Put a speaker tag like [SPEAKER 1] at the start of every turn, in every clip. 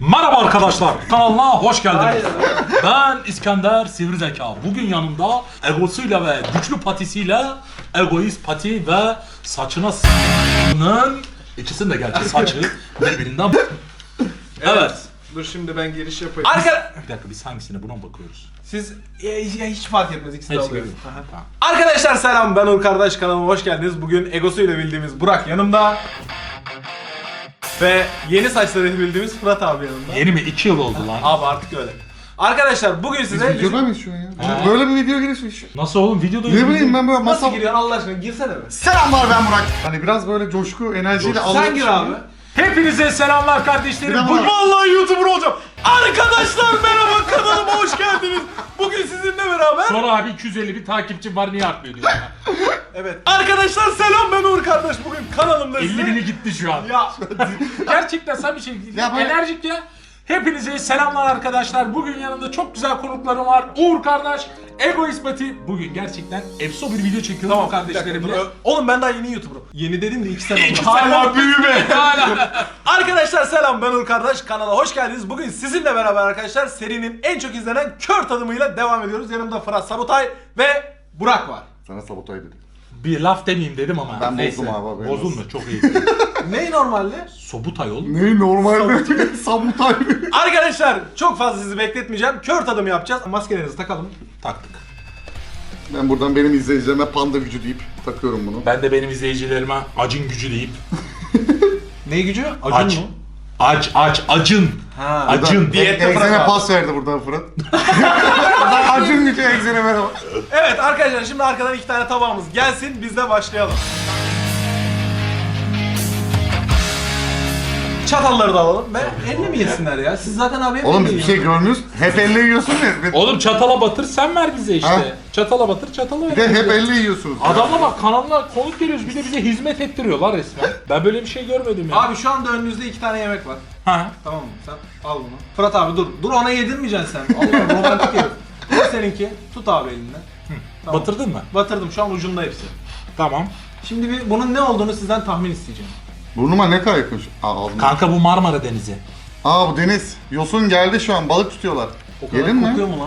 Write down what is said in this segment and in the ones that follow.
[SPEAKER 1] Merhaba arkadaşlar, kanalına hoş geldiniz. Ben İskender Sivrizeka. Bugün yanımda egosuyla ve güçlü patisiyle egoist pati ve saçına s***'nın ikisinin de gerçi saçı birbirinden. Evet.
[SPEAKER 2] Dur şimdi ben giriş yapayım.
[SPEAKER 1] Bir dakika, biz hangisine, buna mı bakıyoruz?
[SPEAKER 2] Siz hiç fark etmez, ikisi de
[SPEAKER 1] Hepsi
[SPEAKER 2] alıyor.
[SPEAKER 1] gibi. Tamam.
[SPEAKER 2] Arkadaşlar selam, ben Uğur Kardeş, kanalıma hoş geldiniz. Bugün egosuyla bildiğimiz Burak yanımda. Ve yeni saçları bildiğimiz Fırat abi yanımda.
[SPEAKER 1] Yeni mi? 2 yıl oldu lan.
[SPEAKER 2] Abi artık öyle. Arkadaşlar bugün size...
[SPEAKER 3] Videoda mıyız şu an ya?
[SPEAKER 1] He.
[SPEAKER 3] Böyle bir video girişmiş.
[SPEAKER 1] Nasıl oğlum, videoda
[SPEAKER 3] Ne bileyim ben böyle
[SPEAKER 2] Nasıl
[SPEAKER 3] masal...
[SPEAKER 2] giriyorsun Allah aşkına, girsene be.
[SPEAKER 3] Selamlar, ben Burak. Hani biraz böyle coşku, enerjiyle alıyorum.
[SPEAKER 2] Sen gir abi.
[SPEAKER 1] Hepinize selamlar kardeşlerim.
[SPEAKER 3] Selam
[SPEAKER 1] Bugün
[SPEAKER 3] abi.
[SPEAKER 2] Vallahi YouTuber olacağım. Arkadaşlar merhaba, kanalıma hoş geldiniz. Bugün sizinle beraber...
[SPEAKER 1] sonra abi 251 takipçim var, niye artmıyor diyor ya.
[SPEAKER 2] Evet. Arkadaşlar selam, ben Uğur Kardeş. Bugün kanalımda
[SPEAKER 1] 50 bini gitti şu an.
[SPEAKER 2] Ya
[SPEAKER 1] Gerçekten sen bir şey
[SPEAKER 3] Ya böyle-
[SPEAKER 1] enerjik ya. Hepinize selamlar arkadaşlar. Bugün yanımda çok güzel konuklarım var. Uğur kardeş, Egoist Pati. Bugün gerçekten efso bir video çekiyorum
[SPEAKER 2] tamam
[SPEAKER 1] kardeşlerimle.
[SPEAKER 2] Oğlum ben daha yeni YouTuber'ım. Yeni dedim de 2 sene oldu.
[SPEAKER 1] İki sene büyüme. Hala.
[SPEAKER 2] Arkadaşlar selam, ben Uğur Kardeş, kanala hoş geldiniz. Bugün sizinle beraber arkadaşlar serinin en çok izlenen kör tadımıyla devam ediyoruz. Yanımda Fırat Sabutay ve Burak var.
[SPEAKER 3] Sana sabotay dedim.
[SPEAKER 1] Bir laf demeyeyim dedim ama.
[SPEAKER 3] Ben
[SPEAKER 1] neyse.
[SPEAKER 3] bozdum abi, haberin
[SPEAKER 1] Bozulma,
[SPEAKER 3] olsun.
[SPEAKER 1] çok iyi.
[SPEAKER 2] Ney normalde?
[SPEAKER 1] Sobutay oğlum.
[SPEAKER 3] Ne normalde sabotay.
[SPEAKER 2] Arkadaşlar çok fazla sizi bekletmeyeceğim. Kör tadım yapacağız. Maskelerinizi takalım.
[SPEAKER 1] Taktık.
[SPEAKER 3] Ben buradan benim izleyicilerime panda gücü deyip takıyorum bunu.
[SPEAKER 1] Ben de benim izleyicilerime acın gücü deyip.
[SPEAKER 2] Ne gücü?
[SPEAKER 1] Aç. Acın.
[SPEAKER 2] Ha,
[SPEAKER 1] Acın.
[SPEAKER 2] Diyette
[SPEAKER 3] Egzene
[SPEAKER 2] Fırat abi.
[SPEAKER 3] pas verdi buradan Fırat. Acın gücü egzene merhaba.
[SPEAKER 2] Evet arkadaşlar, şimdi arkadan 2 tane tabağımız gelsin. Biz de başlayalım. Çatalları da alalım. Elle mi yesinler ya? Siz zaten abi hep
[SPEAKER 3] Oğlum
[SPEAKER 2] elle
[SPEAKER 3] bir şey
[SPEAKER 2] yiyorsunuz.
[SPEAKER 3] görmüyoruz. Hep elle yiyorsun ya.
[SPEAKER 1] Oğlum çatala batır, sen ver bize işte.
[SPEAKER 3] Ha?
[SPEAKER 1] Çatala batır, çatala ver.
[SPEAKER 3] Bir de hep
[SPEAKER 1] bize.
[SPEAKER 3] elle yiyorsunuz.
[SPEAKER 1] Adamla bak, kanalına konuk geliyoruz, bir de bize hizmet ettiriyorlar resmen. Ben böyle bir şey görmedim ya.
[SPEAKER 2] Abi şu anda önünüzde 2 tane yemek var.
[SPEAKER 1] Ha.
[SPEAKER 2] Tamam mı? Sen al bunu. Fırat abi dur. Dur, ona yedirmeyeceksin sen. Allah, romantik herif. Bu seninki. Tut abi elinden. Tamam.
[SPEAKER 1] Batırdın mı?
[SPEAKER 2] Batırdım, şu an ucunda hepsi.
[SPEAKER 1] Tamam.
[SPEAKER 2] Şimdi bir bunun ne olduğunu sizden tahmin isteyeceğim.
[SPEAKER 3] Burnuma ne kadar yakın şu. Aldım.
[SPEAKER 1] Kanka bu Marmara Denizi.
[SPEAKER 3] Bu deniz. Yosun geldi şu an. Balık tutuyorlar.
[SPEAKER 2] O kadar
[SPEAKER 3] Yedin mi?
[SPEAKER 2] kokuyor mu lan?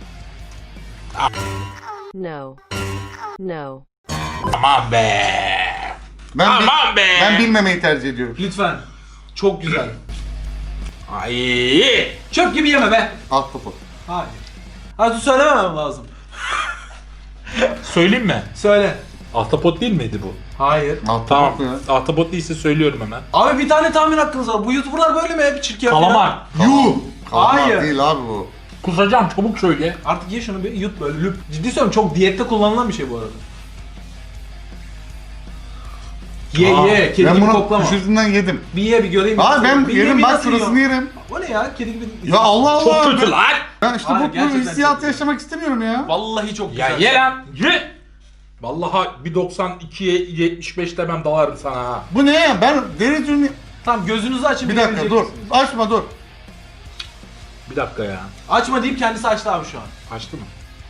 [SPEAKER 4] No. No.
[SPEAKER 1] Aman be. Aman be.
[SPEAKER 3] Ben bilmemeyi tercih ediyorum.
[SPEAKER 2] Lütfen. Çok güzel.
[SPEAKER 1] Ay.
[SPEAKER 2] Çöp gibi yeme be.
[SPEAKER 3] Ahtapot.
[SPEAKER 2] Hayır. Hadi söylememem lazım.
[SPEAKER 1] Söyleyeyim mi?
[SPEAKER 2] Söyle.
[SPEAKER 1] Ahtapot değil miydi bu?
[SPEAKER 2] Hayır.
[SPEAKER 3] Ahtapot
[SPEAKER 1] Tamam.
[SPEAKER 3] mu ya?
[SPEAKER 1] Ahtapot değilse söylüyorum hemen.
[SPEAKER 2] Abi bir tane tahmin hakkınız var. Bu YouTuber'lar böyle mi hep çirkin yapıyor?
[SPEAKER 1] Kalamar.
[SPEAKER 3] Yuh! Kalamar
[SPEAKER 2] Hayır.
[SPEAKER 3] değil abi bu.
[SPEAKER 1] Kusacağım, çabuk söyle.
[SPEAKER 2] Artık ye şunu bir yut böyle lüp. Ciddi söylüyorum, çok diyette kullanılan bir şey bu arada. Ye
[SPEAKER 1] Aa,
[SPEAKER 2] ye, kedi
[SPEAKER 3] Ben
[SPEAKER 2] gibi
[SPEAKER 3] bunu
[SPEAKER 2] koklama.
[SPEAKER 3] düşürdüğünden yedim.
[SPEAKER 2] Bir ye bir göreyim.
[SPEAKER 3] Abi ben
[SPEAKER 2] Bir ye,
[SPEAKER 3] yerim
[SPEAKER 2] bir
[SPEAKER 3] bak
[SPEAKER 2] nasıl
[SPEAKER 3] şurasını
[SPEAKER 2] yiyor?
[SPEAKER 3] yerim.
[SPEAKER 2] O ne ya? Kedi gibi.
[SPEAKER 3] Ya Allah Allah.
[SPEAKER 1] Çok kötü lan.
[SPEAKER 3] Ben işte
[SPEAKER 2] Hayır,
[SPEAKER 3] bu
[SPEAKER 2] gerçekten
[SPEAKER 3] hissiyatı
[SPEAKER 2] çok
[SPEAKER 3] yaşamak istemiyorum ya.
[SPEAKER 2] Vallahi çok
[SPEAKER 1] Ya
[SPEAKER 2] güzel.
[SPEAKER 1] ye lan. Ye. Vallahi bir 92'ye 75 demem dalarım sana ha.
[SPEAKER 3] Bu ne ya? Ben deri ürünü...
[SPEAKER 2] Tamam, gözünüzü açın.
[SPEAKER 3] Bir dakika dur.
[SPEAKER 2] bilebileceksiniz.
[SPEAKER 3] Açma dur.
[SPEAKER 1] Bir dakika ya.
[SPEAKER 2] Açma deyip kendisi açtı abi şu an.
[SPEAKER 1] Açtı mı?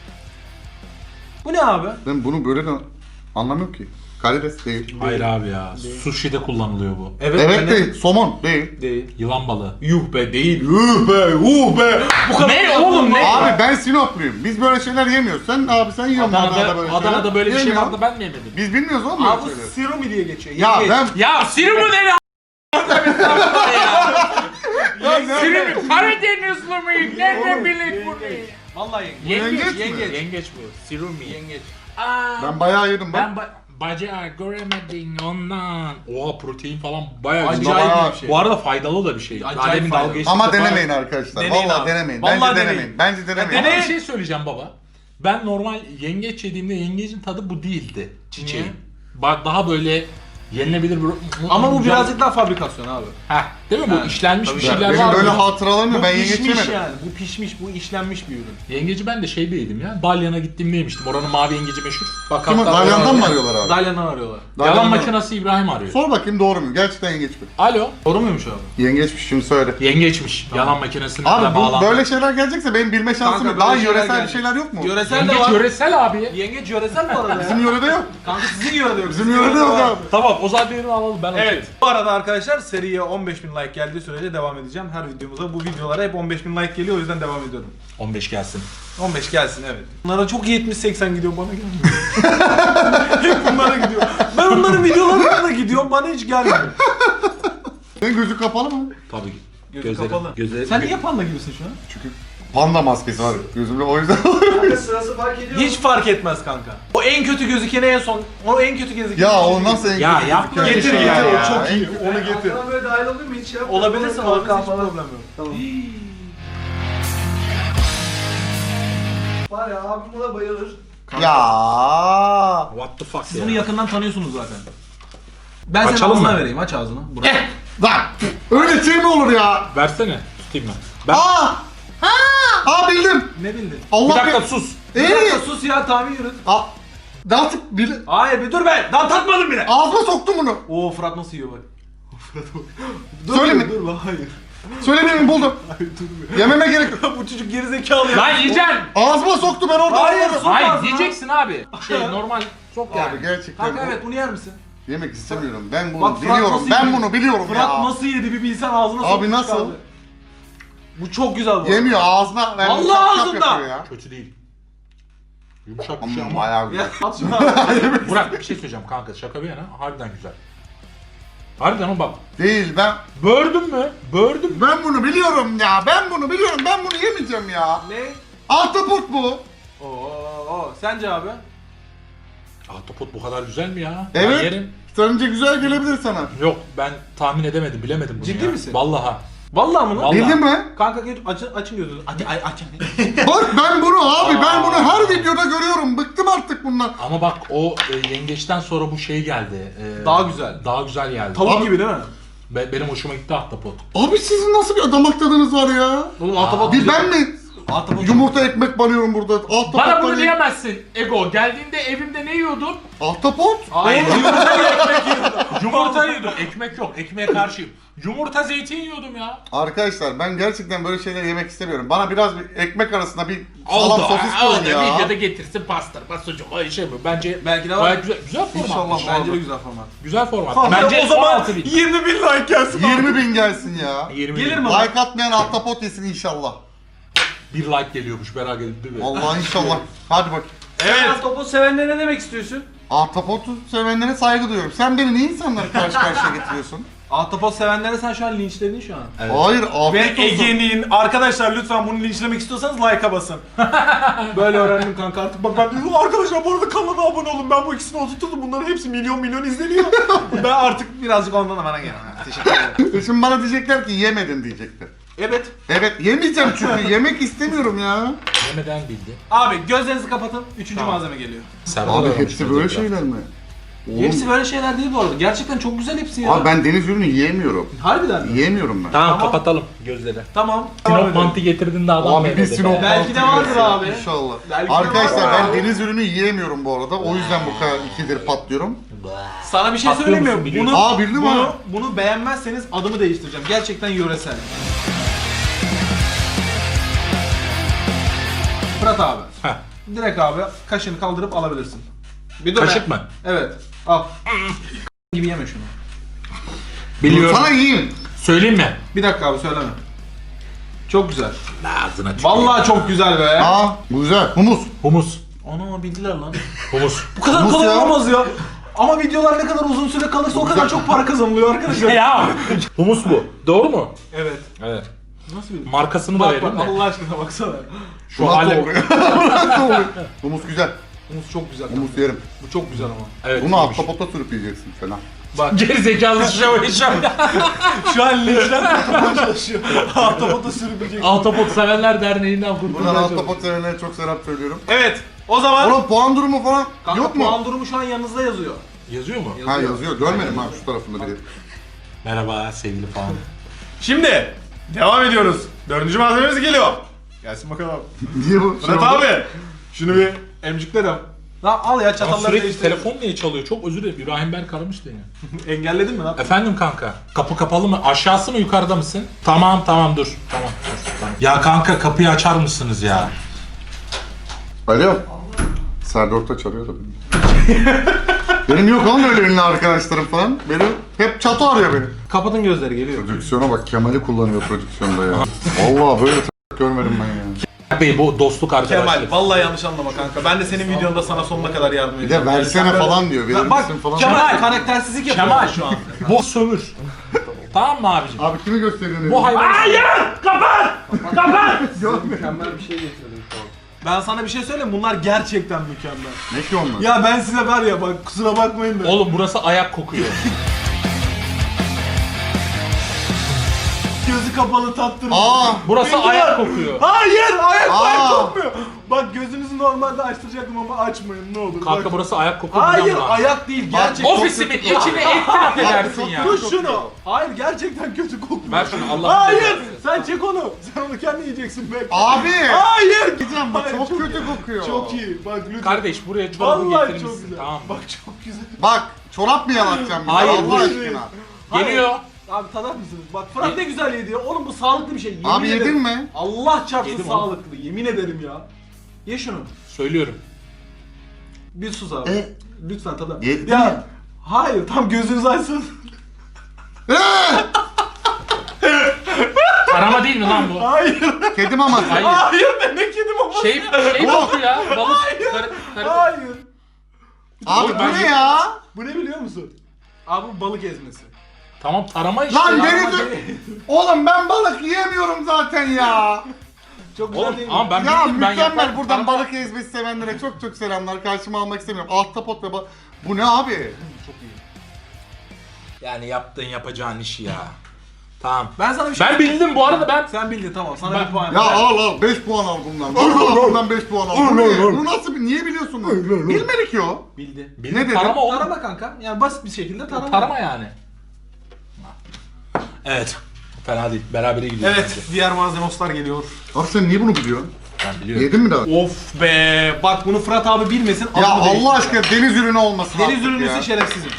[SPEAKER 2] Bu ne abi?
[SPEAKER 3] Ben bunu böyle de anlamıyorum ki. Karides değil.
[SPEAKER 1] Hayır abi ya. Sushi'de kullanılıyor bu.
[SPEAKER 3] Evet değil. Somon değil.
[SPEAKER 2] Değil.
[SPEAKER 1] Yılan balığı.
[SPEAKER 2] Yuh be, değil.
[SPEAKER 3] Yuh be.
[SPEAKER 2] Bu kadar
[SPEAKER 1] Ne oğlum, ne?
[SPEAKER 3] Abi ben Sinopluyum. Biz böyle şeyler yemiyoruz. Sen yiyorsun
[SPEAKER 1] Adana'da böyle bir şey
[SPEAKER 3] Yemiyorum.
[SPEAKER 1] vardı, ben mi yemedim?
[SPEAKER 3] Biz bilmiyoruz oğlum böyle
[SPEAKER 2] Abi bu
[SPEAKER 3] şeyleri.
[SPEAKER 2] sirumi diye geçiyor.
[SPEAKER 3] Ya
[SPEAKER 2] Yengeç.
[SPEAKER 3] ben...
[SPEAKER 1] Ya Sirimi ne ya? Sirimi Karadenizli miyim? Nerede bilek bunu?
[SPEAKER 2] Vallahi yengeç.
[SPEAKER 3] Yengeç mi?
[SPEAKER 2] Yengeç.
[SPEAKER 1] Yengeç bu. Sirimi.
[SPEAKER 2] Yengeç.
[SPEAKER 3] Ben bayağı yedim bak.
[SPEAKER 1] Ben bacağı göremedin ondan. Oha, protein falan bayağı
[SPEAKER 2] Acayip
[SPEAKER 1] güzel.
[SPEAKER 2] bir şey.
[SPEAKER 1] Bu arada faydalı da bir şey.
[SPEAKER 2] Acayip
[SPEAKER 1] Daha demin
[SPEAKER 2] faydalı.
[SPEAKER 1] dalga geçtik
[SPEAKER 3] Ama
[SPEAKER 1] de
[SPEAKER 3] denemeyin arkadaşlar.
[SPEAKER 2] Deneyin
[SPEAKER 3] Vallahi
[SPEAKER 2] abi.
[SPEAKER 3] denemeyin.
[SPEAKER 2] Vallahi
[SPEAKER 3] Bence
[SPEAKER 2] deneyin.
[SPEAKER 3] denemeyin. Bence denemeyin.
[SPEAKER 1] Ama bir şey söyleyeceğim baba. Ben normal yengeç yediğimde yengecin tadı bu değildi. Çiçeğin.
[SPEAKER 2] Niye?
[SPEAKER 1] Bak daha böyle yenilebilir bir...
[SPEAKER 2] Ama bu birazcık daha fabrikasyon abi.
[SPEAKER 1] Heh, değil mi bu?
[SPEAKER 2] Yani,
[SPEAKER 1] İşlenmiş
[SPEAKER 2] tabii.
[SPEAKER 1] bir şeyler
[SPEAKER 3] Benim
[SPEAKER 1] var.
[SPEAKER 3] böyle
[SPEAKER 1] bunun.
[SPEAKER 3] hatıralarım yok.
[SPEAKER 2] Bu
[SPEAKER 3] Ben yengeç
[SPEAKER 2] pişmiş
[SPEAKER 3] yemedim.
[SPEAKER 2] yani. Bu pişmiş, bu işlenmiş bir ürün.
[SPEAKER 1] Yengeci ben de şeyde yedim ya. Dalyan'a gittiğimde yemiştim. Oranın mavi yengeci meşhur. Bak
[SPEAKER 3] Kim o?
[SPEAKER 1] hatta
[SPEAKER 3] Dalyan'dan mı
[SPEAKER 1] oraya-
[SPEAKER 3] arıyorlar abi?
[SPEAKER 2] Dalyan'dan arıyorlar.
[SPEAKER 1] Yalan
[SPEAKER 3] Dalyan'dan-
[SPEAKER 1] makinesi İbrahim arıyor.
[SPEAKER 3] Sor bakayım doğru mu? Gerçekten yengeç mi?
[SPEAKER 1] Alo.
[SPEAKER 2] Doğru muymuş abi?
[SPEAKER 3] Yengeçmiş şimdi söyle.
[SPEAKER 1] Yengeçmiş. Yalan makinesine
[SPEAKER 3] Abi bu
[SPEAKER 1] bağlandı.
[SPEAKER 3] böyle şeyler gelecekse benim bilme şansım
[SPEAKER 2] Kanka,
[SPEAKER 3] yok. Daha
[SPEAKER 2] böyle şeyler
[SPEAKER 3] yöresel bir
[SPEAKER 2] gelecek.
[SPEAKER 3] şeyler yok mu?
[SPEAKER 2] Yöresel de
[SPEAKER 1] Yengeç
[SPEAKER 2] var.
[SPEAKER 1] yöresel abi.
[SPEAKER 2] Yengeç yöresel bu arada
[SPEAKER 3] Bizim
[SPEAKER 2] ya.
[SPEAKER 3] yörede yok.
[SPEAKER 2] Kanka sizin yörede yok.
[SPEAKER 3] Bizim yörede yok abi.
[SPEAKER 1] Tamam, o zaman birini alalım, ben
[SPEAKER 2] Evet. Bu arada arkadaşlar seriye 15.000 like geldiği sürece devam edeceğim. Her videomuza bu videolara hep 15.000 like geliyor, o yüzden devam ediyorum.
[SPEAKER 1] 15 gelsin.
[SPEAKER 2] 15 gelsin, evet. Bunlara çok 70-80 gidiyor, bana gelmiyor. Hep bunlara gidiyor. Ben onların videolarına da gidiyorum, bana hiç gelmiyor.
[SPEAKER 3] Senin gözü kapalı mı?
[SPEAKER 1] Tabii ki.
[SPEAKER 2] Gözü kapalı.
[SPEAKER 1] Gözleri...
[SPEAKER 2] Sen niye panda gibisin şu an?
[SPEAKER 3] Çünkü panda maskesi var gözümde, o yüzden.
[SPEAKER 5] Sırası fark ediyor.
[SPEAKER 2] Hiç fark etmez kanka. O en kötü gözükeni en son, o en kötü gözükeni.
[SPEAKER 3] Ya o nasıl en
[SPEAKER 1] Ya
[SPEAKER 3] kötü
[SPEAKER 1] yapma
[SPEAKER 3] gözüküyor?
[SPEAKER 2] Getir
[SPEAKER 1] Ya,
[SPEAKER 2] getir,
[SPEAKER 1] ya.
[SPEAKER 2] o çok iyi. Onu getir.
[SPEAKER 5] Arkadan böyle dahil olur mu hiç ya?
[SPEAKER 2] Olabilirsin, olabilirsin, hiç
[SPEAKER 5] falan.
[SPEAKER 2] problem yok.
[SPEAKER 5] Tamam. Var ya abim buna bayılır.
[SPEAKER 3] Ya.
[SPEAKER 1] What the fuck
[SPEAKER 2] Siz
[SPEAKER 1] ya?
[SPEAKER 2] bunu yakından tanıyorsunuz zaten. Ben senin
[SPEAKER 1] Açalım
[SPEAKER 2] ağzına
[SPEAKER 1] mı?
[SPEAKER 2] vereyim, aç ağzını. Burak.
[SPEAKER 3] Lan öyle şey mi olur ya?
[SPEAKER 1] Versene. Tutayım ben. Ben...
[SPEAKER 3] Aa bildim.
[SPEAKER 2] Ne bildin?
[SPEAKER 3] Allah
[SPEAKER 1] Bir dakika
[SPEAKER 3] be.
[SPEAKER 1] sus.
[SPEAKER 2] Bir dakika sus ya, tahmin yürüt.
[SPEAKER 3] Daha bil.
[SPEAKER 2] Hayır bir dur be, daha tatmadım bile.
[SPEAKER 3] Ağzıma soktum bunu.
[SPEAKER 2] Oo, Fırat nasıl yiyor bak.
[SPEAKER 3] Söyle mi?
[SPEAKER 2] Dur lan, hayır.
[SPEAKER 3] Söylemeyeyim buldum. Yememe gerek yok.
[SPEAKER 2] Bu çocuk gerizekalı ya.
[SPEAKER 1] Lan yiyeceksin.
[SPEAKER 3] Ağzıma soktu ben orada.
[SPEAKER 2] Hayır,
[SPEAKER 3] Ağzıma-
[SPEAKER 2] sok
[SPEAKER 1] Hayır
[SPEAKER 2] ağzına.
[SPEAKER 1] yiyeceksin abi. Normal sok yani.
[SPEAKER 3] Abi gerçekten
[SPEAKER 2] Kanka evet, bunu yer misin?
[SPEAKER 3] yemek istemiyorum. Ben bunu
[SPEAKER 2] Bak, Fırat
[SPEAKER 3] biliyorum.
[SPEAKER 2] nasıl
[SPEAKER 3] Ben
[SPEAKER 2] yedi?
[SPEAKER 3] bunu biliyorum
[SPEAKER 2] Fırat
[SPEAKER 3] ya.
[SPEAKER 2] nasıl yedi bir bilsen, ağzına
[SPEAKER 3] Abi
[SPEAKER 2] sokmuş
[SPEAKER 3] nasıl?
[SPEAKER 2] kaldı. Bu çok güzel bu.
[SPEAKER 3] Yemiyor ağzına. Ben
[SPEAKER 2] Allah
[SPEAKER 3] şap şap
[SPEAKER 2] ağzında.
[SPEAKER 3] yapıyor ya.
[SPEAKER 1] Kötü değil. Yumuşak bir şey ama.
[SPEAKER 3] Bayağı
[SPEAKER 2] Ya
[SPEAKER 3] güzel.
[SPEAKER 2] at şunu ağzına.
[SPEAKER 1] Burak bir şey söyleyeceğim kanka, şaka bir yana harbiden güzel. Harbiden ama bak.
[SPEAKER 3] Değil ben.
[SPEAKER 1] Bördün mü? Bördüm mü?
[SPEAKER 3] Ben bunu biliyorum ya. Ben bunu biliyorum. Ben bunu yemeyeceğim ya.
[SPEAKER 2] Ne?
[SPEAKER 3] Ahtapot bu.
[SPEAKER 2] Oo, sence abi?
[SPEAKER 1] Ahtapot bu kadar güzel mi ya?
[SPEAKER 3] Evet.
[SPEAKER 1] Ben yerim.
[SPEAKER 3] Sence güzel gelebilir sana.
[SPEAKER 1] Yok ben tahmin edemedim, bilemedim bunu
[SPEAKER 2] Ciddi
[SPEAKER 1] ya.
[SPEAKER 2] misin?
[SPEAKER 1] Vallahi.
[SPEAKER 2] Vallahi mı lan?
[SPEAKER 1] Vallahi.
[SPEAKER 3] Bildin mi?
[SPEAKER 2] Kanka açın gözünü. Açın.
[SPEAKER 3] Bak ben bunu abi ben bunu her videoda görüyorum. Bıktım artık bundan.
[SPEAKER 1] Ama bak o yengeçten sonra bu şey geldi.
[SPEAKER 2] Daha güzel.
[SPEAKER 1] Daha güzel geldi.
[SPEAKER 2] Tavuk
[SPEAKER 3] Abi-
[SPEAKER 2] gibi değil mi?
[SPEAKER 1] Benim hoşuma gitti ahtapot.
[SPEAKER 3] Abi sizin nasıl bir damak tadınız var ya?
[SPEAKER 2] Oğlum ahtapot
[SPEAKER 3] Bir
[SPEAKER 2] güzel.
[SPEAKER 3] ben mi?
[SPEAKER 2] Ahtapot
[SPEAKER 3] Yumurta ekmek banıyorum burada. Ahtapot
[SPEAKER 1] Bana bunu
[SPEAKER 3] banıyorum.
[SPEAKER 1] diyemezsin Ego. Geldiğinde evimde ne yiyordun?
[SPEAKER 3] Ahtapot?
[SPEAKER 2] Hayır, yumurta ekmek yiyordum.
[SPEAKER 1] Yumurta yiyordum. Ekmek yok. Ekmeğe karşıyım. Yumurta zeytin yiyordum ya.
[SPEAKER 3] Arkadaşlar ben gerçekten böyle şeyler yemek istemiyorum. Bana biraz bir ekmek arasında bir salam
[SPEAKER 1] Oldu.
[SPEAKER 3] sosis koyun ya.
[SPEAKER 1] Videoda getirsin pastırma sucuk. O şey mi? Bence
[SPEAKER 2] Belki de var.
[SPEAKER 1] gayet güzel. Güzel format.
[SPEAKER 3] İnşallah.
[SPEAKER 2] Bence de güzel format.
[SPEAKER 1] Güzel format.
[SPEAKER 2] Kanka,
[SPEAKER 1] Bence
[SPEAKER 2] o zaman
[SPEAKER 1] 16.000.
[SPEAKER 2] 20.000 like gelsin.
[SPEAKER 3] 20.000 gelsin ya.
[SPEAKER 1] 20
[SPEAKER 2] Gelir
[SPEAKER 1] bin.
[SPEAKER 2] mi?
[SPEAKER 3] Like atmayan ahtapot yesin inşallah.
[SPEAKER 1] Bir like geliyormuş, merak edip değil mi?
[SPEAKER 3] Vallahi inşallah. Hadi bak.
[SPEAKER 2] Evet.
[SPEAKER 5] Topuz sevenlere ne demek istiyorsun?
[SPEAKER 3] Ahtapotu sevenlere saygı duyuyorum. Sen beni niye insanları karşı karşıya getiriyorsun?
[SPEAKER 2] Ahtapot sevenlere sen şu an linçledin şu an.
[SPEAKER 3] Hayır
[SPEAKER 2] Ve
[SPEAKER 3] afiyet olsun.
[SPEAKER 2] Ege'nin, arkadaşlar lütfen bunu linçlemek istiyorsanız like'a basın. Böyle öğrendim kanka artık. Bak ben dedim arkadaşlar bu arada kanala abone olun. Ben bu ikisini oturttum. Bunların hepsi milyon izleniyor. Ben artık birazcık ondan da bana gel. Teşekkür ederim.
[SPEAKER 3] Şimdi bana diyecekler ki yemedin diyecekler.
[SPEAKER 2] Evet.
[SPEAKER 3] Evet yemeyeceğim çünkü yemek istemiyorum ya.
[SPEAKER 1] Yemeden bildi.
[SPEAKER 2] Abi gözlerinizi kapatın. Üçüncü
[SPEAKER 1] Tamam.
[SPEAKER 2] malzeme geliyor.
[SPEAKER 3] Abi hepsi böyle şeyler mi? Oğlum,
[SPEAKER 2] Hepsi böyle şeyler değil bu arada. Gerçekten çok güzel hepsi ya.
[SPEAKER 3] Abi ben deniz ürünü yiyemiyorum.
[SPEAKER 2] Harbiden mi?
[SPEAKER 3] Yiyemiyorum ben.
[SPEAKER 1] Tamam,
[SPEAKER 2] Tamam.
[SPEAKER 1] kapatalım gözleri.
[SPEAKER 2] Tamam. Devam
[SPEAKER 1] Sinop
[SPEAKER 2] edelim.
[SPEAKER 1] mantı getirdin de adam
[SPEAKER 3] Abi bir
[SPEAKER 1] beğenmedi.
[SPEAKER 3] Sinop
[SPEAKER 2] Belki de
[SPEAKER 3] mantı
[SPEAKER 2] vardır
[SPEAKER 3] yeriz ya,
[SPEAKER 2] abi.
[SPEAKER 3] İnşallah.
[SPEAKER 2] Belki de
[SPEAKER 3] Arkadaşlar
[SPEAKER 2] vardır
[SPEAKER 3] ben
[SPEAKER 2] abi.
[SPEAKER 3] deniz ürünü yiyemiyorum bu arada. O yüzden bu kadar ikidir patlıyorum.
[SPEAKER 2] Sana bir şey
[SPEAKER 1] Patlıyor
[SPEAKER 2] söyleyeyim mi?
[SPEAKER 1] musun biliyorsun?
[SPEAKER 2] Bunu,
[SPEAKER 3] Aa, bildim ha.
[SPEAKER 2] bunu beğenmezseniz adımı değiştireceğim. Gerçekten yöresel. Fırat abi.
[SPEAKER 1] Heh.
[SPEAKER 2] Direkt abi kaşını kaldırıp alabilirsin. Bir dur
[SPEAKER 1] Kaşık
[SPEAKER 2] be.
[SPEAKER 1] mı?
[SPEAKER 2] Evet. Al. gibi yeme şunu.
[SPEAKER 1] Biliyorum.
[SPEAKER 3] Sana yiyeyim.
[SPEAKER 1] Söyleyeyim mi?
[SPEAKER 2] Bir dakika abi söyleme. Çok güzel.
[SPEAKER 1] Ağzına tüküreyim.
[SPEAKER 2] Vallahi çok güzel be.
[SPEAKER 3] Aa bu güzel. Humus.
[SPEAKER 1] Humus.
[SPEAKER 2] Ana bildiler lan.
[SPEAKER 1] Humus.
[SPEAKER 2] Bu kadar
[SPEAKER 3] Humus
[SPEAKER 2] kolay
[SPEAKER 3] ya.
[SPEAKER 2] olamaz ya. Ama videolar ne kadar uzun süre kalırsa o kadar çok para kazanılıyor arkadaşlar.
[SPEAKER 1] Ya. Humus bu. Doğru mu?
[SPEAKER 2] Evet.
[SPEAKER 1] Evet.
[SPEAKER 2] Nasıl bir...
[SPEAKER 1] Markasını da
[SPEAKER 2] Bak
[SPEAKER 1] vereyim
[SPEAKER 2] bak
[SPEAKER 1] de.
[SPEAKER 2] Allah aşkına baksana.
[SPEAKER 1] Şu
[SPEAKER 3] Nasıl
[SPEAKER 1] hale.
[SPEAKER 3] oluyor? Nasıl oluyor? Humus güzel.
[SPEAKER 2] Humus çok güzel.
[SPEAKER 3] Humus yerim.
[SPEAKER 2] Bu çok güzel ama.
[SPEAKER 1] Evet.
[SPEAKER 3] Bunu
[SPEAKER 1] iyiymiş.
[SPEAKER 3] ahtapota sürüp yiyeceksin falan.
[SPEAKER 2] Bak
[SPEAKER 1] Geri zekalı şov.
[SPEAKER 2] şu an linçler tutmaya çalışıyor. Ahtapota sürüpecek.
[SPEAKER 1] Ahtapot Sevenler Derneği'nden
[SPEAKER 3] Buradan
[SPEAKER 1] kurtulmaya çalışıyorum.
[SPEAKER 3] ahtapot sevenlere çok selam söylüyorum.
[SPEAKER 2] Evet. O zaman
[SPEAKER 3] Oğlum puan durumu falan
[SPEAKER 2] kanka,
[SPEAKER 3] yok mu?
[SPEAKER 2] puan durumu şu an yanınızda yazıyor.
[SPEAKER 1] Yazıyor mu?
[SPEAKER 3] Ha yazıyor. Görmedim ha şu tarafında biri.
[SPEAKER 1] Merhaba sevgili falan.
[SPEAKER 2] Şimdi devam ediyoruz. Dördüncü malzememiz geliyor. Gelsin bakalım.
[SPEAKER 3] Niye bu?
[SPEAKER 2] Fırat abi. Şunu bir emciklerim. Lan al ya
[SPEAKER 1] Ama
[SPEAKER 2] çatalları
[SPEAKER 1] sürekli
[SPEAKER 2] değiştir.
[SPEAKER 1] telefon niye çalıyor? Çok özür dilerim. İbrahim Berk aramış beni.
[SPEAKER 2] Engelledin mi lan?
[SPEAKER 1] Efendim kanka. Kapı kapalı mı? Aşağısı mı yukarıda mısın? Tamam dur. Tamam. Ya kanka kapıyı açar mısınız ya?
[SPEAKER 3] Alo. Serdar Ortaç arıyor da beni. Benim yok oğlum öyle ünlü arkadaşlarım falan. Benim hep çatı arıyor beni.
[SPEAKER 2] Kapatın gözleri geliyor.
[SPEAKER 3] Prodüksiyona bak, Kemal'i kullanıyor prodüksiyonda ya. Vallahi böyle görmedim ben ya.
[SPEAKER 1] Bey bu dostluk arkadaşlık.
[SPEAKER 2] Kemal vallahi yanlış anlama kanka. Ben de senin videonda sana sonuna kadar yardım
[SPEAKER 3] Bir
[SPEAKER 2] edeceğim.
[SPEAKER 3] de versene
[SPEAKER 2] Sen
[SPEAKER 3] falan diyor. Verir
[SPEAKER 2] Bak
[SPEAKER 3] misin falan.
[SPEAKER 2] Kemal karaktersizlik yapıyor
[SPEAKER 1] Kemal
[SPEAKER 2] şu an.
[SPEAKER 1] bu sömür. Tamam mı abicim?
[SPEAKER 3] Abi kimi gösteriyorsun?
[SPEAKER 1] Bu hayvan. Hayır! Kapat! Kapat!
[SPEAKER 5] Mükemmel bir şey getirdim şu an.
[SPEAKER 2] Ben sana bir şey söyleyeyim, bunlar gerçekten mükemmel.
[SPEAKER 3] Ne ki onlar?
[SPEAKER 2] Ya ben size var ya bak kusura bakmayın da.
[SPEAKER 1] Oğlum burası ayak kokuyor.
[SPEAKER 2] Gözü kapalı tattırmış.
[SPEAKER 1] Burası
[SPEAKER 2] Bildiler.
[SPEAKER 1] ayak kokuyor.
[SPEAKER 2] Hayır ayak
[SPEAKER 3] Aa.
[SPEAKER 2] kokmuyor. Bak gözünüzü normalde açtıracaktım ama açmayın ne olur.
[SPEAKER 1] Kanka
[SPEAKER 2] Bak.
[SPEAKER 1] burası ayak kokuyor.
[SPEAKER 2] Hayır
[SPEAKER 1] buradan buna.
[SPEAKER 2] ayak değil gerçekten.
[SPEAKER 1] Ofisimin içine itiraf edersin ya.
[SPEAKER 2] Tut şunu. Hayır gerçekten kötü kokuyor.
[SPEAKER 1] Ver şunu Allah.
[SPEAKER 2] Hayır sen çek onu. Sen onu kendin yiyeceksin belki.
[SPEAKER 3] Abi!
[SPEAKER 2] Hayır.
[SPEAKER 3] Gideceğim bak,
[SPEAKER 2] Hayır,
[SPEAKER 3] çok
[SPEAKER 2] iyi.
[SPEAKER 3] kötü kokuyor.
[SPEAKER 2] Çok iyi. Bak lütfen.
[SPEAKER 1] Kardeş buraya çorabı
[SPEAKER 2] Vallahi çok
[SPEAKER 1] getirmişsin
[SPEAKER 2] güzel.
[SPEAKER 1] tamam mı?
[SPEAKER 2] Bak çok güzel.
[SPEAKER 3] Bak, çorap mı yalatacağım bize?
[SPEAKER 1] Hayır,
[SPEAKER 3] Allah
[SPEAKER 1] bu-
[SPEAKER 3] aşkına.
[SPEAKER 1] Geliyor.
[SPEAKER 2] Abi tadar mısınız? Bak Fırat ne güzel yedi ya. Oğlum bu sağlıklı bir şey. Yemin
[SPEAKER 3] Abi
[SPEAKER 2] ederim.
[SPEAKER 3] yedin mi?
[SPEAKER 2] Allah çarpsın
[SPEAKER 1] Yedim oğlum.
[SPEAKER 2] sağlıklı. Yemin ederim ya. Ye şunu.
[SPEAKER 1] Söylüyorum.
[SPEAKER 2] Bir sus abi. Lütfen tadar.
[SPEAKER 3] Yedin
[SPEAKER 2] Ya.
[SPEAKER 3] mi?
[SPEAKER 2] Hayır tam gözünüzü açsın.
[SPEAKER 1] Arama değil mi lan bu?
[SPEAKER 2] Hayır.
[SPEAKER 3] Kedi maması.
[SPEAKER 1] Hayır.
[SPEAKER 2] Hayır demek yedim ama.
[SPEAKER 1] Şey kokuyor ya. Balık. Karı.
[SPEAKER 2] Hayır.
[SPEAKER 3] Abi
[SPEAKER 1] Oğlum
[SPEAKER 3] bu
[SPEAKER 1] ben
[SPEAKER 3] ne
[SPEAKER 1] yedim.
[SPEAKER 3] ya?
[SPEAKER 2] Bu ne biliyor musun? Abi bu balık ezmesi.
[SPEAKER 1] Tamam tarama işte.
[SPEAKER 3] Lan
[SPEAKER 1] ya.
[SPEAKER 3] deniz... Oğlum ben balık yiyemiyorum zaten ya.
[SPEAKER 2] Çok güzel
[SPEAKER 1] Oğlum
[SPEAKER 2] değil mi?
[SPEAKER 1] ama ben
[SPEAKER 3] Ya
[SPEAKER 1] bildim ben
[SPEAKER 3] mükemmel,
[SPEAKER 1] yaparım.
[SPEAKER 3] buradan
[SPEAKER 1] Tarama-
[SPEAKER 3] balık ezmesi sevenlere çok çok selamlar. Karşıma almak istemiyorum. Ahtapot ve balık. Bu ne abi?
[SPEAKER 1] Yani yaptığın yapacağın işi ya. Tamam.
[SPEAKER 2] Ben sana bir şey
[SPEAKER 1] Ben bildim bu arada ben.
[SPEAKER 2] Sen bildin tamam sana
[SPEAKER 1] Ben-
[SPEAKER 2] bir puan.
[SPEAKER 3] Ya al 5 puan al bundan. Vallahi bundan 5 puan al. Bu ne? Bu nasıl bir, niye biliyorsun bunu? Bilmedi ki o.
[SPEAKER 2] Bildi.
[SPEAKER 1] Bildim,
[SPEAKER 3] Ne dedim?
[SPEAKER 1] tarama oğlum.
[SPEAKER 2] Tarama kanka. Yani basit bir şekilde tarama.
[SPEAKER 1] Tarama yani. Evet. Fena değil. Berabere gidiyoruz.
[SPEAKER 2] Evet, diğer malzemoslar geliyor.
[SPEAKER 3] Abi sen niye bunu biliyorsun?
[SPEAKER 1] Ben biliyorum.
[SPEAKER 3] Yedin mi daha?
[SPEAKER 2] Of be, bak bunu Fırat abi bilmesin.
[SPEAKER 3] Ya
[SPEAKER 2] adını değiştir.
[SPEAKER 3] Allah aşkına deniz ürünü olmasın
[SPEAKER 2] Deniz
[SPEAKER 3] artık
[SPEAKER 2] ürünüsü
[SPEAKER 3] ya.
[SPEAKER 2] şerefsizim.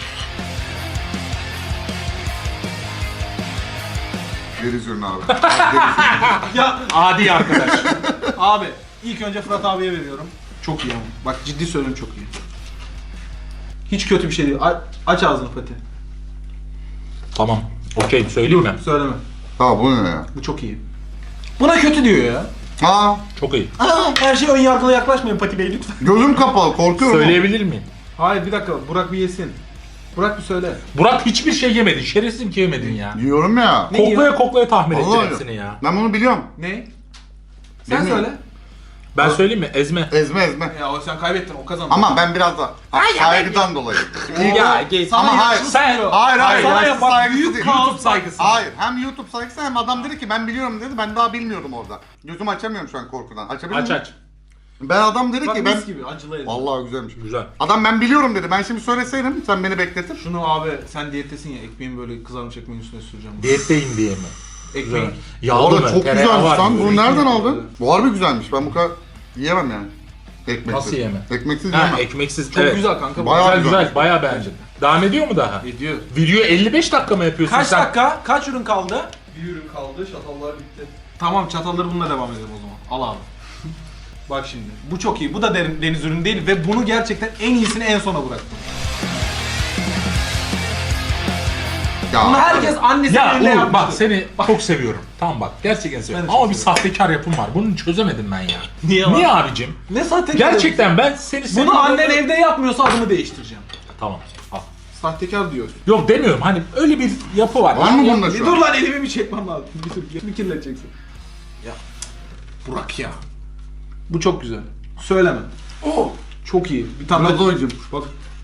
[SPEAKER 3] Deniz ürünü abi. Abi deniz ürünü.
[SPEAKER 2] Ya
[SPEAKER 1] Adi arkadaş.
[SPEAKER 2] abi, ilk önce Fırat abiye veriyorum. Çok iyi ama. Bak ciddi söylüyorum çok iyi. Hiç kötü bir şey değil. Aç ağzını Fatih.
[SPEAKER 1] Tamam. Okey söyleyeyim mi?
[SPEAKER 2] Söyleme.
[SPEAKER 3] Ha bu ne ya?
[SPEAKER 2] Bu çok iyi. Buna kötü diyor ya.
[SPEAKER 3] Ha
[SPEAKER 1] Çok iyi.
[SPEAKER 2] Her şey ön yargılı yaklaşmayın Fatih Bey lütfen.
[SPEAKER 3] gözüm kapalı, korkuyorum.
[SPEAKER 1] Söyleyebilir miyim?
[SPEAKER 2] Hayır bir dakika, Burak bir yesin. Burak bir söyle.
[SPEAKER 1] Burak hiçbir şey yemedin. Şerefsizim ki yemedin ya.
[SPEAKER 3] Yiyorum ya.
[SPEAKER 2] Ne
[SPEAKER 1] Koklaya
[SPEAKER 2] yiyor?
[SPEAKER 1] koklaya tahmin
[SPEAKER 3] Allah
[SPEAKER 1] edeceğim
[SPEAKER 3] Allah.
[SPEAKER 1] hepsini ya.
[SPEAKER 3] Ben bunu biliyorum.
[SPEAKER 2] Ne? Sen
[SPEAKER 3] Bilmiyorum.
[SPEAKER 2] söyle.
[SPEAKER 1] Ben söyleyeyim mi? Ezme.
[SPEAKER 3] Ezme ezme.
[SPEAKER 2] Ya o sen kaybettin, o kazandı.
[SPEAKER 3] Ama ben biraz da saygıdan dolayı.
[SPEAKER 1] Ya geç.
[SPEAKER 2] Sana
[SPEAKER 3] Ama hayır.
[SPEAKER 2] yakışık
[SPEAKER 1] Sen-
[SPEAKER 2] diyor.
[SPEAKER 3] Hayır
[SPEAKER 1] Sana
[SPEAKER 3] yaşlı
[SPEAKER 1] ya bak,
[SPEAKER 3] saygısı
[SPEAKER 2] büyük
[SPEAKER 3] değil.
[SPEAKER 2] kaos
[SPEAKER 1] YouTube saygısı.
[SPEAKER 3] Hayır, hem YouTube saygısı hem adam dedi ki ben biliyorum dedi, ben daha bilmiyordum orada. Gözümü açamıyorum şu an korkudan. Açabilir
[SPEAKER 1] Aç
[SPEAKER 3] miyim?
[SPEAKER 1] aç.
[SPEAKER 3] Ben adam dedi
[SPEAKER 2] Bak
[SPEAKER 3] ki
[SPEAKER 2] mis
[SPEAKER 3] ben...
[SPEAKER 2] gibi acılı ezme.
[SPEAKER 3] Vallahi güzelmiş.
[SPEAKER 1] Güzel.
[SPEAKER 3] Adam ben biliyorum dedi, ben şimdi söyleseydim sen beni bekletir.
[SPEAKER 2] Şunu abi sen diyettesin ya, ekmeğin böyle kızarmış ekmeğin üstüne süreceğim.
[SPEAKER 1] Diyetteyim diye mi?
[SPEAKER 2] Ekmeğin.
[SPEAKER 3] Bu
[SPEAKER 1] Yağlı
[SPEAKER 3] arada
[SPEAKER 1] mı?
[SPEAKER 3] çok
[SPEAKER 1] Tereyağı
[SPEAKER 3] güzelmiş
[SPEAKER 1] var
[SPEAKER 3] lan.
[SPEAKER 1] mı?
[SPEAKER 3] Bunu nereden aldın? Bu harbi güzelmiş. Ben bu kadar yiyemem yani. Ekmeksiz.
[SPEAKER 1] Nasıl yiyemem?
[SPEAKER 3] Ekmeksiz
[SPEAKER 1] Ha
[SPEAKER 3] yiyemem.
[SPEAKER 1] ekmeksiz.
[SPEAKER 2] Çok
[SPEAKER 1] evet.
[SPEAKER 2] güzel kanka.
[SPEAKER 3] Bayağı
[SPEAKER 1] Güzel
[SPEAKER 3] güzel.
[SPEAKER 1] güzel. Bayağı beğendim. Devam ediyor mu daha?
[SPEAKER 2] Ediyor.
[SPEAKER 1] Video 55 dakika mı yapıyorsun
[SPEAKER 2] Kaç
[SPEAKER 1] sen?
[SPEAKER 2] dakika? Kaç ürün kaldı?
[SPEAKER 5] Bir ürün kaldı, şatallar bitti.
[SPEAKER 2] Tamam çatalları bununla devam edelim o zaman. Al abi. Bak şimdi. Bu çok iyi. Bu da deniz ürünü değil ve bunu gerçekten en iyisini en sona bıraktım.
[SPEAKER 3] Ya,
[SPEAKER 2] Bunu herkes annesinin
[SPEAKER 1] Ya
[SPEAKER 2] eline
[SPEAKER 1] Uğur
[SPEAKER 2] yapmıştır.
[SPEAKER 1] bak seni çok seviyorum. Tamam bak gerçekten seviyorum.
[SPEAKER 2] Ben de çok
[SPEAKER 1] Ama bir sahtekar yapım var. Bunu çözemedim ben ya.
[SPEAKER 2] Niye lan?
[SPEAKER 1] Niye abicim?
[SPEAKER 2] Ne sahtekar?
[SPEAKER 1] Gerçekten ben seni seviyorum.
[SPEAKER 2] Bunu annen evde yapmıyorsa adımı değiştireceğim.
[SPEAKER 1] Tamım. Al.
[SPEAKER 2] Sahtekar diyor.
[SPEAKER 1] Yok demiyorum hani öyle bir yapı var.
[SPEAKER 3] Var mı
[SPEAKER 1] Ya-
[SPEAKER 3] bunda
[SPEAKER 2] Bir
[SPEAKER 3] şu
[SPEAKER 2] dur
[SPEAKER 3] an?
[SPEAKER 2] lan elimi bir çekmem lazım. Bir dur. Elimi kirleteceksin. Ya. Burak ya. Bu çok güzel. Söyleme. Oh. Çok iyi. Bir tane
[SPEAKER 3] Biraz
[SPEAKER 2] daha.
[SPEAKER 3] doyacağım.
[SPEAKER 2] Bak.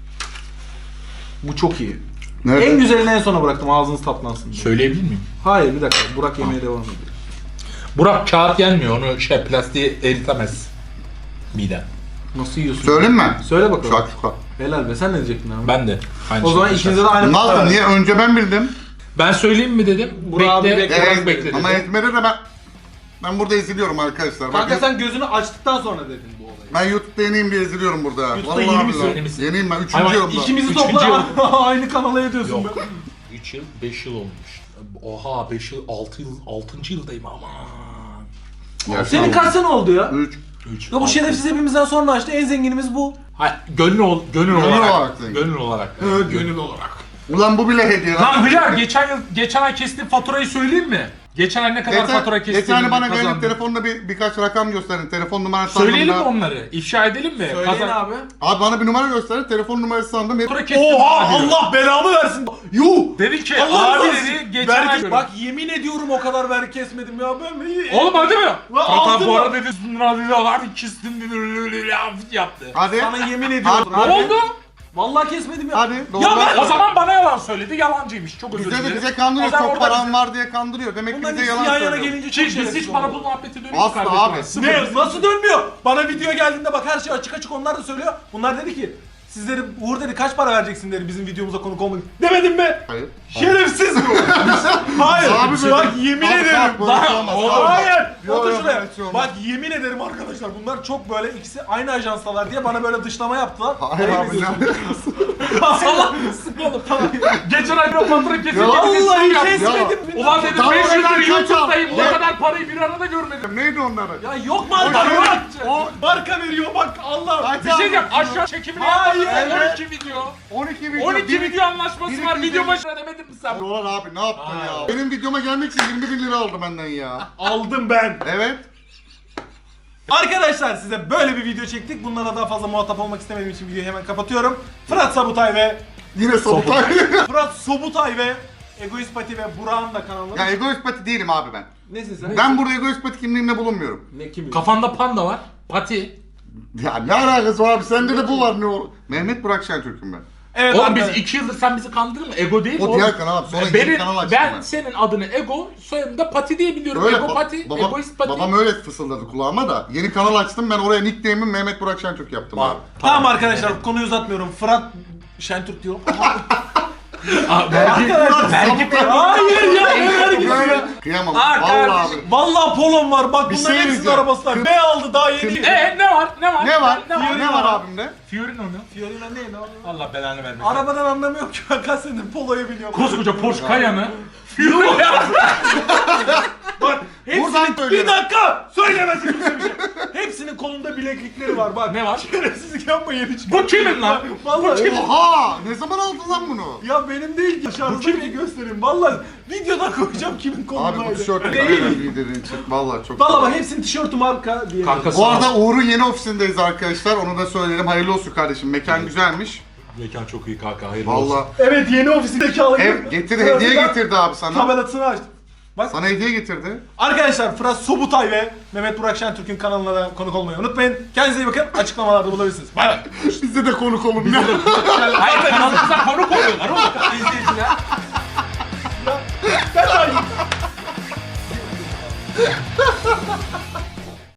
[SPEAKER 2] Bu çok iyi.
[SPEAKER 3] Nerede?
[SPEAKER 2] En güzelini en sona bıraktım ağzınız tatlansın diye.
[SPEAKER 1] Söyleyebilir miyim?
[SPEAKER 2] Hayır bir dakika. Burak yemeye devam ediyor.
[SPEAKER 1] Burak kağıt gelmiyor. Onu plastiği eritemez. Miden.
[SPEAKER 2] Nasıl yiyorsun?
[SPEAKER 3] Söyleyeyim mi?
[SPEAKER 2] Söyle bakalım.
[SPEAKER 3] Şakşuka.
[SPEAKER 2] Helal be sen ne diyecektin abi?
[SPEAKER 1] Ben de. Aynı
[SPEAKER 2] O zaman
[SPEAKER 1] şeyi
[SPEAKER 2] ikinize de aynı
[SPEAKER 3] Nasıl?
[SPEAKER 2] puan
[SPEAKER 3] Niye? Önce ben bildim.
[SPEAKER 1] Ben söyleyeyim mi dedim.
[SPEAKER 2] Burak abi
[SPEAKER 1] Bekle.
[SPEAKER 2] bekle.
[SPEAKER 1] Burak bekle dedi.
[SPEAKER 3] Ama ezmede de ben burada eziliyorum arkadaşlar.
[SPEAKER 2] Kanka
[SPEAKER 3] Bakın,
[SPEAKER 2] sen gözünü açtıktan sonra dedin bu olayı.
[SPEAKER 3] ben YouTube'da yeniyim diye eziliyorum burada.
[SPEAKER 2] YouTube'da
[SPEAKER 3] Vallahi
[SPEAKER 2] yeni misin?
[SPEAKER 3] billahi.
[SPEAKER 1] Yeni misin?
[SPEAKER 3] Yeniyim ben. 3.
[SPEAKER 1] Hayvan,
[SPEAKER 3] yılımda.
[SPEAKER 2] İkimizi
[SPEAKER 1] Üçüncü
[SPEAKER 2] topla aynı kanala ediyorsun
[SPEAKER 1] Yok.
[SPEAKER 2] be.
[SPEAKER 1] 3 yıl, 5 yıl olmuş. Oha 5 yıl, 6 yıl, 6. yıldayım aman.
[SPEAKER 3] Ya,
[SPEAKER 2] Senin kaç sene oldu ya?
[SPEAKER 3] 3.
[SPEAKER 1] 3.
[SPEAKER 2] Ya bu şerefsiz hepimizden sonra açtı en zenginimiz bu.
[SPEAKER 1] Hayır, gönül olarak.
[SPEAKER 3] olarak değil.
[SPEAKER 1] Gönül olarak.
[SPEAKER 2] Gönül olarak.
[SPEAKER 3] Ulan bu bile hediye
[SPEAKER 1] Lan Hıyar geçen ay kestiğim faturayı söyleyeyim mi? Geçen ay ne kadar fatura kestiğimi
[SPEAKER 3] Geçen bana gelip
[SPEAKER 1] kazandım.
[SPEAKER 3] telefonda birkaç rakam gösterin. Telefon numarası
[SPEAKER 1] Söyleyelim mi
[SPEAKER 3] sandım da.
[SPEAKER 1] onları? İfşa edelim mi?
[SPEAKER 2] Söyleyin abi.
[SPEAKER 3] Abi bana bir numara gösterin. Telefon numarası sandım.
[SPEAKER 1] Fatura kestim.
[SPEAKER 2] Oha
[SPEAKER 1] abi.
[SPEAKER 2] Allah belamı versin. Yuh.
[SPEAKER 1] Dedi ki
[SPEAKER 2] Allah
[SPEAKER 1] abi
[SPEAKER 2] razı
[SPEAKER 1] dedi
[SPEAKER 2] olsun.
[SPEAKER 1] geçen ay.
[SPEAKER 2] Bak yemin ediyorum o kadar vergi kesmedim ya ben.
[SPEAKER 1] Oğlum hadi mi? Hatta
[SPEAKER 2] aldın
[SPEAKER 1] bu
[SPEAKER 2] mı?
[SPEAKER 1] arada dedi Sundra dedi abi kestim dedi yaptı.
[SPEAKER 3] Hadi.
[SPEAKER 2] Sana yemin ediyorum.
[SPEAKER 1] Ne oldu?
[SPEAKER 2] Vallahi kesmedim ya.
[SPEAKER 3] Hadi. Doğru.
[SPEAKER 2] Ya ben-
[SPEAKER 1] O zaman bana yalan söyledi. Yalancıymış. Çok özür
[SPEAKER 3] Bize
[SPEAKER 1] dilerim.
[SPEAKER 3] de bize kandırıyor.
[SPEAKER 1] O zaman
[SPEAKER 3] Çok
[SPEAKER 1] orada
[SPEAKER 3] param
[SPEAKER 1] bize-
[SPEAKER 3] var diye kandırıyor. Demek ki
[SPEAKER 2] Bunların
[SPEAKER 3] bize
[SPEAKER 2] ikisi
[SPEAKER 3] yalan
[SPEAKER 2] yan yana
[SPEAKER 3] söylüyor.
[SPEAKER 2] gelince çok
[SPEAKER 1] Biz
[SPEAKER 2] şerefsiz
[SPEAKER 1] hiç
[SPEAKER 2] oldu.
[SPEAKER 1] bana bu muhabbeti dönüyor
[SPEAKER 3] Asla
[SPEAKER 1] kardeşim.
[SPEAKER 3] abi.
[SPEAKER 1] Sıfır.
[SPEAKER 2] Ne? Nasıl dönmüyor? Bana video geldiğinde bak her şey açık açık onlar da söylüyor. Bunlar dedi ki sizleri Uğur dedi kaç para vereceksin dedi bizim videomuza konuk olmak için. Demedim mi?
[SPEAKER 3] Hayır.
[SPEAKER 2] Şerefsiz bu. Hayır.
[SPEAKER 3] Abi
[SPEAKER 2] bak
[SPEAKER 3] böyle-
[SPEAKER 2] yemin
[SPEAKER 3] Abi
[SPEAKER 2] ederim.
[SPEAKER 3] bak, böyle şey olmaz.
[SPEAKER 2] Bak, hayır.
[SPEAKER 3] Yok,
[SPEAKER 2] Otur
[SPEAKER 3] yok,
[SPEAKER 2] şuraya.
[SPEAKER 3] böyle şey olmaz.
[SPEAKER 2] Bak yemin ederim arkadaşlar bunlar çok böyle ikisi aynı ajanstalar diye bana böyle dışlama yaptılar.
[SPEAKER 3] Hayır
[SPEAKER 2] Ayıp
[SPEAKER 3] abi
[SPEAKER 2] ediyorsun.
[SPEAKER 3] canım.
[SPEAKER 1] Salak mısın oğlum? Geçen ay bir fatura kesildi.
[SPEAKER 3] Ya
[SPEAKER 2] Vallahi
[SPEAKER 1] yaptı.
[SPEAKER 2] kesmedim.
[SPEAKER 1] Ulan dedim
[SPEAKER 3] Tamam,
[SPEAKER 1] 500 lira
[SPEAKER 3] ben kaç
[SPEAKER 1] YouTube'dayım.
[SPEAKER 3] aldım?
[SPEAKER 1] O kadar parayı bir arada görmedim.
[SPEAKER 3] Neydi onları?
[SPEAKER 2] Ya yok marka
[SPEAKER 3] O-
[SPEAKER 2] yok. O marka veriyor bak Allah.
[SPEAKER 3] Kaç
[SPEAKER 1] Bir şey
[SPEAKER 3] aldın?
[SPEAKER 1] diyeyim aşağı çekimini
[SPEAKER 2] Hayır,
[SPEAKER 1] yapmadım.
[SPEAKER 3] evet.
[SPEAKER 1] 12 video.
[SPEAKER 3] 12 video.
[SPEAKER 1] 12 video anlaşması
[SPEAKER 3] bir-
[SPEAKER 1] var.
[SPEAKER 3] bir-
[SPEAKER 1] Video
[SPEAKER 3] bir-
[SPEAKER 1] başına demedin mi sen?
[SPEAKER 3] Dolar abi ne yaptın ya? Benim videoma gelmek için 20 bin lira aldı benden ya.
[SPEAKER 2] Aldım ben.
[SPEAKER 3] Evet.
[SPEAKER 2] Arkadaşlar size böyle bir video çektik. Bunlara daha fazla muhatap olmak istemediğim için videoyu hemen kapatıyorum. Fırat Sabutay ve
[SPEAKER 3] Yine sabotay.
[SPEAKER 2] Fırat Sobutay ve Egoist Pati ve Burak'ın da kanalı.
[SPEAKER 3] Ya egoist pati değilim abi ben.
[SPEAKER 2] Nesin sen?
[SPEAKER 3] Ben burada egoist pati kimliğimle bulunmuyorum.
[SPEAKER 2] Ne kimi?
[SPEAKER 1] Kafanda panda var. Pati.
[SPEAKER 3] Ya ne alakası var abi? Sende de bu var ne olur? Mehmet Burak Şentürk'üm ben.
[SPEAKER 2] Evet
[SPEAKER 1] Oğlum biz
[SPEAKER 2] arkadaşlar.
[SPEAKER 1] 2 yıldır sen bizi kandırdın mı? Ego değil mi?
[SPEAKER 3] O
[SPEAKER 1] oğlum?
[SPEAKER 3] diğer kanal abi. Sonra
[SPEAKER 1] Benim,
[SPEAKER 3] yeni kanal açtım
[SPEAKER 1] ben
[SPEAKER 3] ben.
[SPEAKER 1] senin adını Ego, soyadını da Pati diye biliyorum.
[SPEAKER 3] Öyle
[SPEAKER 1] Ego Pati,
[SPEAKER 3] babam,
[SPEAKER 1] Egoist Pati.
[SPEAKER 3] babam öyle fısıldadı kulağıma da. Yeni kanal açtım ben oraya nickname'imi Mehmet Burak Şentürk yaptım abi.
[SPEAKER 2] Tamam arkadaşlar konuyu uzatmıyorum. Fırat Şentürk diyorum.
[SPEAKER 1] Aa, belki,
[SPEAKER 2] Hayır ya ne vergisi ya.
[SPEAKER 3] Böyle kıyamam.
[SPEAKER 2] Aa,
[SPEAKER 3] Vallahi
[SPEAKER 2] kardeşim,
[SPEAKER 3] abi.
[SPEAKER 2] Vallahi polon var bak
[SPEAKER 3] Bir
[SPEAKER 2] bunların
[SPEAKER 3] şey
[SPEAKER 2] hepsinin
[SPEAKER 3] diyeceğim.
[SPEAKER 2] arabası var. Ne aldı daha yeni.
[SPEAKER 1] ne var? Ne var?
[SPEAKER 3] Ne var?
[SPEAKER 1] Ne
[SPEAKER 3] Ne var abimde?
[SPEAKER 1] Fiorino mu?
[SPEAKER 2] Fiorina ne ne?
[SPEAKER 1] Allah belanı vermesin.
[SPEAKER 2] Arabadan anlamıyorum ki ben kaç senedir poloyu biliyorum.
[SPEAKER 1] Koskoca Porsche Cayenne. Fiorino.
[SPEAKER 2] Bak
[SPEAKER 3] Buradan
[SPEAKER 2] hepsinin bir
[SPEAKER 3] söylüyorum.
[SPEAKER 2] dakika söylemesin kimse bir şey. Hepsinin kolunda bileklikleri var bak.
[SPEAKER 1] Ne var?
[SPEAKER 2] Şerefsizlik yapmayın hiç.
[SPEAKER 1] Bu kimin lan?
[SPEAKER 2] Vallahi
[SPEAKER 3] Oha! Ne zaman aldın lan bunu?
[SPEAKER 2] ya benim değil ki. Dışarıda bir göstereyim. Vallahi videoda koyacağım kimin kolundaydı.
[SPEAKER 3] Abi bu tişört
[SPEAKER 2] Değil.
[SPEAKER 3] liderin çık. Vallahi çok.
[SPEAKER 2] Vallahi bak hepsinin tişörtü marka diye.
[SPEAKER 1] Kankası.
[SPEAKER 3] Bu arada Uğur'un yeni ofisindeyiz arkadaşlar. Onu da söyleyelim. Hayırlı olsun kardeşim. Mekan güzelmiş.
[SPEAKER 1] Mekan çok iyi kanka. Hayırlı olsun.
[SPEAKER 3] Vallahi.
[SPEAKER 2] Evet yeni ofisindeki alayım.
[SPEAKER 3] Ev getirdi, hediye getirdi abi sana.
[SPEAKER 2] Tabelasını açtım. Bak
[SPEAKER 3] Sana hediye getirdi.
[SPEAKER 2] arkadaşlar Fırat Sobutay ve Mehmet Burak Şentürk'ün kanalına da konuk olmayı unutmayın. Kendinize iyi bakın. Açıklamalarda bulabilirsiniz. Bay bay.
[SPEAKER 3] Bize de konuk olun ya.
[SPEAKER 1] Hayır kanalımıza konuk oluyorlar oğlum. İzleyiciler.
[SPEAKER 2] Ben de